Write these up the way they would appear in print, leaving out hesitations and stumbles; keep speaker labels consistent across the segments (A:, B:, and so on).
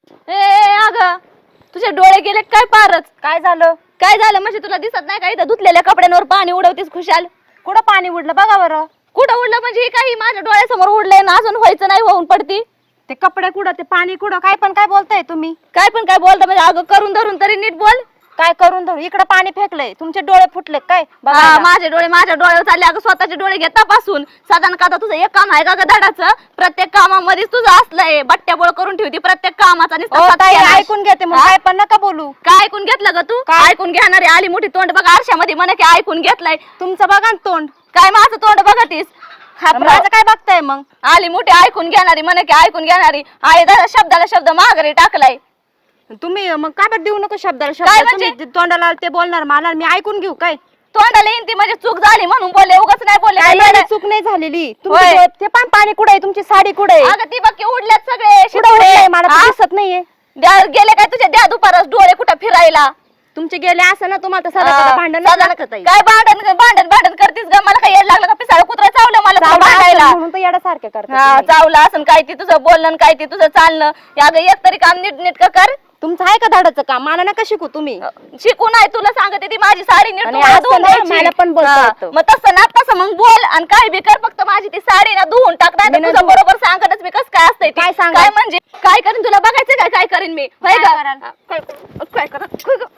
A: ए अगं तुझे डोळे गेले काय पारच?
B: काय झालं?
A: काय झालं म्हणजे तुला दिसत नाही का इथं धुतलेल्या कपड्यांवर पाणी उडवतीस खुशाल?
B: कुठं पाणी उडलं बघा बरं.
A: कुठं उडलं म्हणजे हे काही माझ्या डोळ्यासमोर उडलंय ना अजून व्हायचं नाही होऊन पडती.
B: ते कपडे कुठं ते पाणी कुठं काय पण काय बोलताय तुम्ही?
A: काय पण काय बोलता म्हणजे अगं करून धरून तरी नीट बोल.
B: काय करून धरू? इकडे पाणी फेकलंय तुमचे डोळे फुटले काय
A: हा,
B: बघा.
A: माझे डोळे माझ्या डोळ्यावर चालले. अगं स्वतःचे डोळे घेता पासून साधारण का तुझं एक काम आहे का ग धडाचं? प्रत्येक कामामध्ये तुझं असलंय बट्ट्याबोळ करून ठेवती प्रत्येक कामाचा
B: ऐकून घेते मग काय पण नका बोलू.
A: काय ऐकून घेतलं ग तू?
B: काय?
A: ऐकून घेणारी आली मोठी तोंड बघा आरशामध्ये म्हणे की ऐकून घेतलंय.
B: तुमचं बघा ना तोंड.
A: काय माझं तोंड बघतीस?
B: माझं काय बघताय मग?
A: आली मोठी ऐकून घेणारी म्हणे की ऐकून घेणारी आहे दादा शब्दाला शब्द माघारी टाकलाय.
B: तुम्ही मग काय बरं देऊ नको शब्दाला
A: काय
B: शब्द.
A: म्हणजे?
B: तुम्ही तोंडाला ते बोलणार मला मी ऐकून घेऊ काय?
A: तोंडाला येईन ती म्हणजे चूक झाली म्हणून बोलले उगाच नाही बोलले.
B: काय
A: काय
B: एवढी चूक नाही झालेली. तुमचे
A: होय.
B: डोळे- ते पण पाणी कुठे आहे? तुमची साडी कुठे आहे?
A: अगं ती बघ उडल्यात सगळे
B: कुठं
A: शितोडे.
B: उडलंय? मला तर
A: हा?
B: दिसत नाहीये.
A: गेले काय तुझ्या द्या दुपारच डोळे कुठं फिरायला?
B: तुमचे गेले असं ना तुम्हाला तर साधं भांडण नाही
A: साधारण
B: लागत आहे.
A: काय भांडण भांडण भांडण करतीस ग? मला काय येड लागलं का पिसाळ कुत्रा चावलं मला तुला
B: चावलं
A: भांडायला?
B: असेल म्हणून तर येड्यासारखे
A: हा
B: करतात.
A: चावलं असं काय ती तुझं बोलणं आणि काय ती तुझं चालणं. अगं एक तरी काम नीट नीट कर.
B: तुमचं आहे का धाडाचं काम? मला नका शिकू तुम्ही.
A: शिकू नाही तुला सांगते ती माझी साडी नीट
B: आणि
A: तुम्हाला
B: असं
A: धुवून
B: ना,
A: द्यायची.
B: मला पण बोलता
A: हा,
B: येतं.
A: मग तसं ना तसं मग बोल आणि काय बी कर फक्त माझी ती साडी ना धुवून टाक नाही
B: मी
A: तर
B: नाही
A: तुझं बरोबर सांगतच मी कसं काय असतंय ते.
B: काय सांगा?
A: काय म्हणजे काय करीन तुला बघायचं काय काय करीन मी होय
B: काय
A: का?
B: कराल?
A: हा, काय करा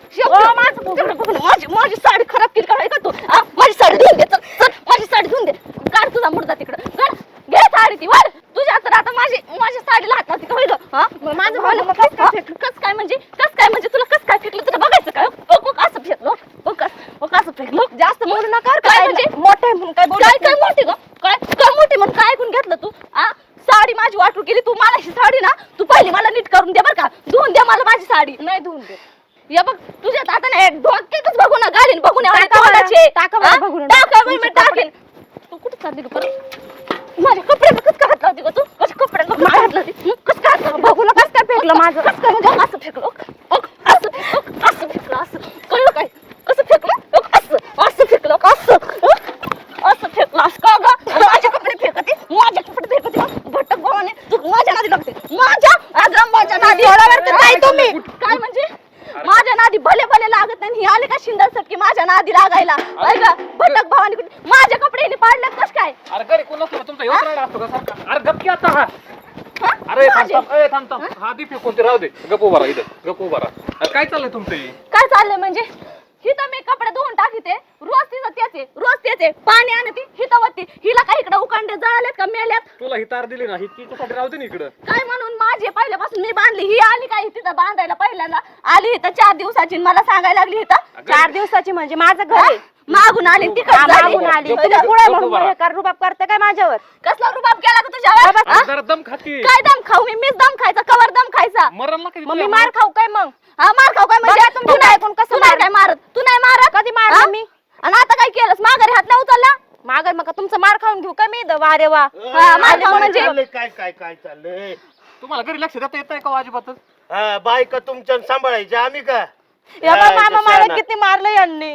A: माझी साडी खराब केली का तू? हा, माझी साडी धुवून दे चल, चल, माझी साडी धुवून दे. काढ तुझा मुर्दा तिकडं काढ. घे साडी ती वाढ तुझ्या तर आता माझी साडी लाट नव्हती का होय ग? हा?
B: माझं
A: बोल,
B: बोलणं
A: कस काय म्हणजे तुला कस काय फेकलं तुला बघायचं काय? असं फेकलो कसं फेकलो
B: जास्त बोलू नका बरं का?
A: काय म्हणजे?
B: मोठे म्हणून काय बोलू
A: काय मोठी ग? काय मोठी म्हणून काय ऐकून घेतलं तू? आ साडी माझी वाटू केली तू. मला ही साडी ना तू पहिली मला नीट करून दे बरं का? धुवून दे मला माझी साडी.
B: नाही धुवून दे.
A: या बघ तुझ्यात आता नाही डोक्यातच बघू ना घालीन बघून
B: टाका बरं, टाका बरं बघून.
A: मी टाकेन. तू कुठे चालली ग परत? माझ्या कपड्याला कसं काय हात लावते ग तू? माझ्या कपड्याला कसं काय हात लावते? कसं काय हात लावते?
B: बघू नका कसं काय फेकलं माझं.
A: कसं काय म्हणजे असं फेकलं असं फेकलं असं कळलं काय? कसं फेकलं असं फेकलं असं फेकलं असं का ग? आणि माझे कपडे फेकते भटक भावाने तू माझ्या नादी लागते माझ्या नादी
B: काय तुम्ही?
A: काय म्हणजे माझ्या नादी भले भले लागत नाही. ही आले का शिंदर सटकी माझ्या नादी लागायला भटक भावाने माझ्या कपडे पाडल्यात कस काय?
C: अरे घरी कोण असतो तुमचा येऊन राहिला असतो का सारखा? अरे गप की आता हा.
A: हा?
C: अरे
A: माझे?
C: थांब हा दी फेकून ते राहू दे. गप उभा राहा इथं गप उभा राहा. अरे काय चाललंय तुमचं हे?
A: काय चाललंय म्हणजे हिथं मी कपडे धुवून टाकीते रोज तेच आहे पाणी आणते हिथं वरती. हिला काही इकडे उकांडे जळालेत का मेल्यात?
C: तुला ही तार दिली ना ही तिच्यासाठी राहू दे ना इकडं.
A: काय म्हणून माझी पहिल्यापासून मी बांधली. ही आली काय तिथं बांधायला पहिल्यांदा आली इथं 4 दिवसाची आणि मला सांगायला लागली इथं
B: 4 दिवसाची म्हणजे माझं घर आहे.
A: मागून आली
B: मागून आली.
C: गप्प-
B: तुम्ही
C: गप्प-
B: पुढे
C: गप्प
B: म्हणून
C: बरा.
B: रुबाब करता काय माझ्यावर?
A: कसला रुबाब केला का तुझ्यावर?
C: अरे जरा दम खाती.
A: काय दम खाऊ मीच दम खायचा कवर दम खायचा.
C: मरण ना कधी
B: मग मी मार खाऊ काय मग?
A: हा मार खाऊ काय म्हणजे?
B: बघा तुमचं
A: तू नाही
B: ऐकून कसं
A: तू नाही
B: मार-
A: काय मारत तू नाही मारत
B: कधी मारलं
A: हा?
B: मी?
A: आणि आता काय केलंस माघारी हात नाही उचलला?
B: मागर मग तुमचं मार खाऊन घेऊ का मी? वा रे वा.
A: हा, मार खाऊ म्हणजे?
D: काय काय काय चाललंय?
C: तुम्हाला घरी लक्ष देता येत का अजिबातच?
D: हा बायका तुमच्या सांभाळायची आम्ही का?
B: या बा, मामा
D: कशा
B: मला
D: ना?
B: किती मारलं यांनी.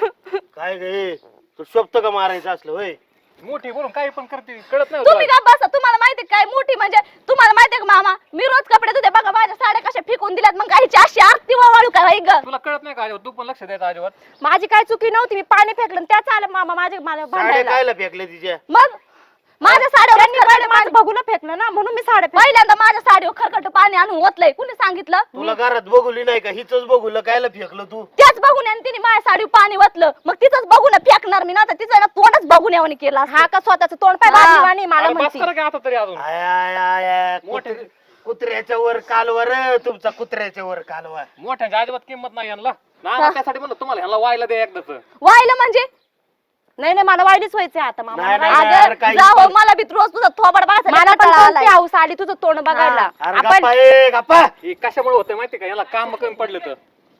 D: काय गे तू शोभत का मारायचं असलं होय?
C: मोठी बोलून काही पण करते कळत नाही
A: तुम्ही
C: तुला.
A: का बसा तुम्हाला माहिती काय मोठी म्हणजे तुम्हाला माहितीये का मामा मी रोज कपडे धुते बघा माझ्या साड्या कशा फेकून दिल्यात मग काही अशी आरती वाळू काय होय ग?
C: तुला कळत नाही का अजिबात? तू पण लक्ष द्यायचं अजिबात.
B: माझी काय चुकी नव्हती. मी पाणी फेकलं आणि त्याच आलं मामा मला
D: साड्या
B: भांडायला.
D: कायला फेकल्या तिच्या?
A: मग माझ्या
B: त्यांनी पहिले
A: साड्या
B: माझं बघून फेकलं ना म्हणून मी साड्या फेकल्या.
A: पहिल्यांदा माझ्या साडीवर खरकट पाणी आणून ओतलंय कुणी सांगितलं?
D: तुला घरात बघुली नाही का? हिच बघुलं कायला फेकलं तू?
A: त्याच बघून आणि तिने माझ्या साडीवर पाणी ओतलं मग तिचंच बघून फेकणार मी ना तर तिचं ना तोंडच बघून यावणी केला
B: हा का स्वतःच तोंड पाय
A: हा.
B: बांधली मला
C: अरे बस
B: म्हणती.
C: करा की आता तरी अजून.
D: आय, आय, आय, आय,
C: मोठे-
D: कुत्र्याच्या वर कालवर तुमचा कुत्र्याच्या वर कालवा.
C: मोठ्यांची अजिबात किंमत नाही यांना ना त्यासाठी म्हणलं तुम्हाला ह्यांना व्हायला दे एकदाच.
A: वाहिलं म्हणजे
B: नाही नाही मला वाईटच व्हायचंय आता मामा.
D: नाही,
B: मला
D: नाही,
B: वाईट-
D: अरे काही
A: जावं
D: पण-
A: मला बी रोज तुझं थोबड
B: मला पण
A: बाळाचा
B: कोणती हौस आली तुझं तोंड बघायला.
D: अरे
B: आपण
D: गप्पा ए गप्पा.
C: हे कशामुळे होतं माहिती का? याला काम कमी पडलं तर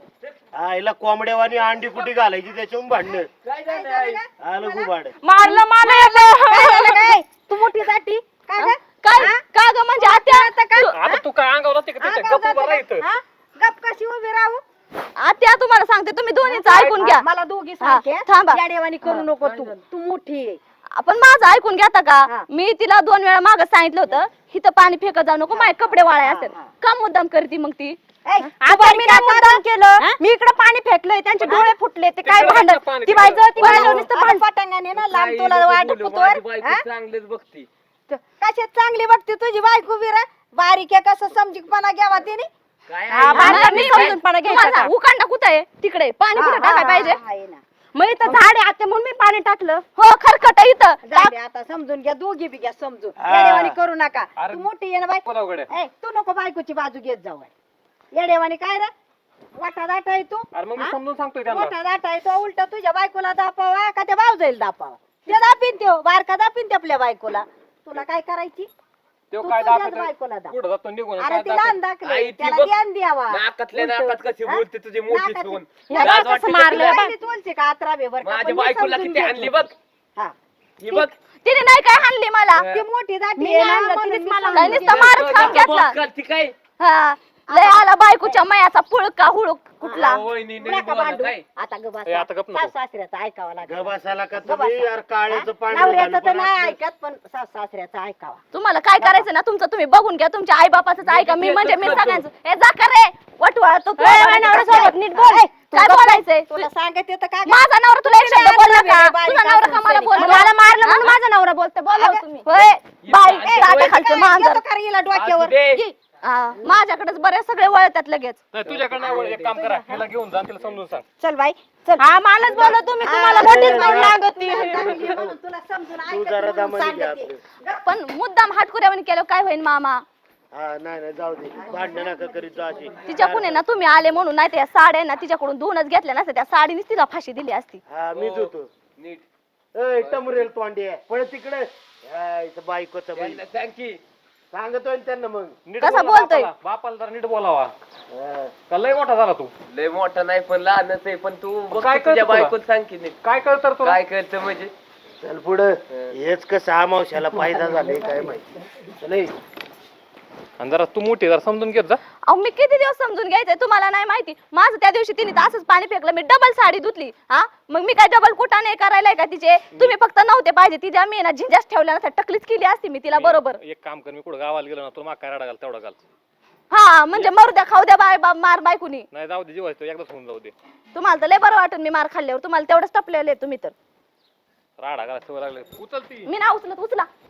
D: आईला कोंबड्यावानी अंडी कुठे घालायची त्याच्याहून भांडणं आलं गुबाड.
B: मारलं मला तू मोठी साठी
A: काय का ग म्हणजे आत्या
C: आता तू काय अंगावर जाते का त्याच्या? गप्प उभा राहायचं.
B: गप कशी उभी राहू?
A: आत्या तुम्हाला सांगते तुम्ही दोन्हीच ऐकून घ्या
B: मला दोघी
A: हा,
B: सारखे
A: थांबा.
B: याडेवानी करू नको तू. तू मोठी आहे.
A: आपण माझं ऐकून घेता
B: हा.
A: का? मी तिला 2 वेळा मागं सांगितलं होतं इथं पाणी फेकत जाऊ नको, माझे कपडे वाळाय असतात. का मुद्दाम करती मग ती?
B: आता मी नाही मुद्दाम केलं, मी इकडे पाणी फेकलंय, त्यांचे डोळे फुटले, ते काय
C: तिकडे
B: भांडण
C: पाणी
B: ती
C: फेकलं.
B: बाई जळती
A: आता
B: नुसतं भांड पटांगाने ना लांब तुला वाट पुतवर
E: चांगलेच बघती
B: कशात चांगली बघते तुझी बायको विरा बारीक आहे, कसं समजीकपणा घ्यावा तिने
E: काय
B: हा, बारकाईने समजूनपणा घ्यायचा
A: तुम्हाला
B: का?
A: उकांडा कुठं आहे? तिकडे पाणी कुठं टाकाय पाहिजे?
B: आहे ना. मग इथं झाड आहे आता म्हणून मी पाणी टाकलं.
A: हो खरकट आहे इथं.
B: जाऊ दे आता, समजून घ्या, दोघी बी घ्या समजून,
D: हा.
B: येडेवाणी करू नका.
C: अरे,
B: तू मोठी आहे ना बाई,
C: बोला उघड्या.
B: ए, तू नको बायकोची बाजू घेत जाऊ बाई. येडेवाणी काय रे, वाटा दाटा आहे तू,
C: अरे मग मी
B: हा?
C: समजून सांगतोय त्यांना.
B: मोठा दाटा आहे तो, उलट तुझ्या बायकोला दापावा का त्या भाऊजाईला दापावा? ते दापीन त्यो बारका दापीन ते आपल्या बायकोला. तुला काय करायची?
C: तो
B: तू
C: काय
B: तुझ्याच
C: दाखवतोय?
B: बायकोला दाप.
C: कुठं जातो निघून
B: अरे
C: काय
B: तिला
C: दाखवतोय?
B: अंदाकले,
E: आई, ती
B: त्याला
E: बघ.
B: ध्यान द्यावा.
E: नाकातल्या
B: उलटं.
E: नाकात कशी
B: हा?
E: बोलते तुझी मोठी
B: नाकात-
E: सून
B: ह्या
E: लाज
B: बाई
E: वाटते
B: कसं
E: का
B: मारलं
E: तुला?
B: बाई, तुलसी का अत्रा बे बरं का,
E: माझ्या
B: पण मी
E: बायकोला
B: समजून
E: किती
B: घेते.
E: आणली बघ
B: हा.
E: ही बघ
A: तिने नाही काय हाणली मला.
B: ती मोठी दाटी
A: मी
B: आहे
A: नाही
B: ना,
A: आणलं,
B: म्हणून
A: तिनेच
B: मी
A: मला
B: समजून
A: हाणलं.
B: घेते.
A: मारच खाऊन घेतला.
E: करती काय
A: हा लय आला बायकोच्या मयाचा पुळका हुळूक कुठला.
E: वहिनी नाही
B: नका
E: बोला
B: भांडू.
E: काय
B: आता ग
C: ए, आता गप नको.
B: सासऱ्याचं ऐकावं लागेल.
D: गबासाला का
B: गप
D: तुम्ही
B: बसा.
D: यार काळ्याचं पाणी
B: नवऱ्याचं
D: घालून
B: तर
D: पण
B: नाही
D: असलं.
B: ऐकत, पण सासऱ्याचं ऐकावा.
A: तुम्हाला काय करायचं ना तुमचं तुम्ही बघून घ्या, तुमच्या आई बापाचं ऐका. मी
E: तेच
A: म्हणजे मी
E: करतो.
A: सगळ्यांचं हे जा कर रे वटवा तो
B: नवऱ्यासोबत नीट बोल. ए, तू
A: काय
B: गप्प
A: बोलायचंय?
B: तुला सांगत येतं का ग?
A: माझा नवरा तुला एक शब्द बोलला का?
B: बारीक
A: तुझा नवरा का मला
B: असून
A: बोलला?
B: मला मारलं
A: म्हणून माझा नवरा बोलते. बोला
B: अगं,
A: तुम्ही होय बाई
E: ए,
A: खालचं
B: काय
A: मांजर.
B: येतो का रे हिला डोक्यावर?
E: असू दे.
B: ये.
A: माझ्याकडेच बरेच सगळे वळतात लगेच.
C: नाही तुझ्याकडे नाही वळ, एक काम करा, हिला घेऊन जा, तिला समजून सांग.
B: चल बाई चल. हा मलाच बोला तुम्ही, तुम्हाला मोठीच म्हणून लागती. तुला समजून
D: तू
B: ऐकत
D: जरा
B: म्हणून
D: दमाने घे
B: सांगते.
D: आपलं.
A: पण मुद्दाम हाटकुऱ्यावर केलं काय होईल मामा?
D: हा नाही जाऊ दे, भांडण नका करीत जा अशी.
A: तिच्याकडून आहे ना तुम्ही आले म्हणून, नाही त्या साड्या ना तिच्याकडून धुवूनच घेतल्या नसत्या, त्या साडीनेच तिला फाशी दिली असती.
D: हा मीच होतो.
E: नीट
D: ए टमरेल तोंडी आहे, पळ तिकडे. बायकोचं बाई
E: यांना सांग की
D: सांगतोय ना त्यांना मग.
C: नीट
A: कसा
C: बोला
A: बोलतोय?
C: बापाला. बापाला जरा नीट बोलावा.
D: हा.
C: का लय मोठा झाला तू?
E: लय मोठा नाही पण लहानच आहे, पण तू बघ
C: काय
E: की तुझ्या
C: करतो तुला?
E: बायकोला सांग की नीट
C: काय कळतं रे तुला?
E: काय करतं म्हणजे
D: चल पुढं. हेच कसं आमावश्याला फायदा झालाय काय माहिती. चल ए.
C: आणि जरा तू मोठी जरा समजून घेत जा.
A: अहो मी किती दिवस समजून घ्यायचंय तुम्हाला नाही माहिती? माझं त्या दिवशी तिने असंच पाणी फेकलं, मी डबल साडी धुतली. हा मग मी काय डबल कुठा नाही करायलाय का तिचे? तुम्ही फक्त नव्हते पाहिजे, तिच्या मी ना झिंजाच ठेवल्या नसत्या, टकलीच केली असती मी तिला बरोबर.
C: एक काम कर, मी कुठं गावाला गेलो ना, तुला माग काय राडा घाल तेवढा घाल.
A: हा म्हणजे मरू द्या, खाऊ द्या बाय मार बायकुनी.
C: नाही जाऊ दे, जीवायचं एकदाच होऊन जाऊ दे.
A: तुम्हाला तर लय बरं वाटून मी मार खाल्ल्यावर, तुम्हाला तेवढंच टपलेले तुम्ही तर.
C: राडा घाला सवय लागले. उचलती
A: मी ना उचलत, उचला.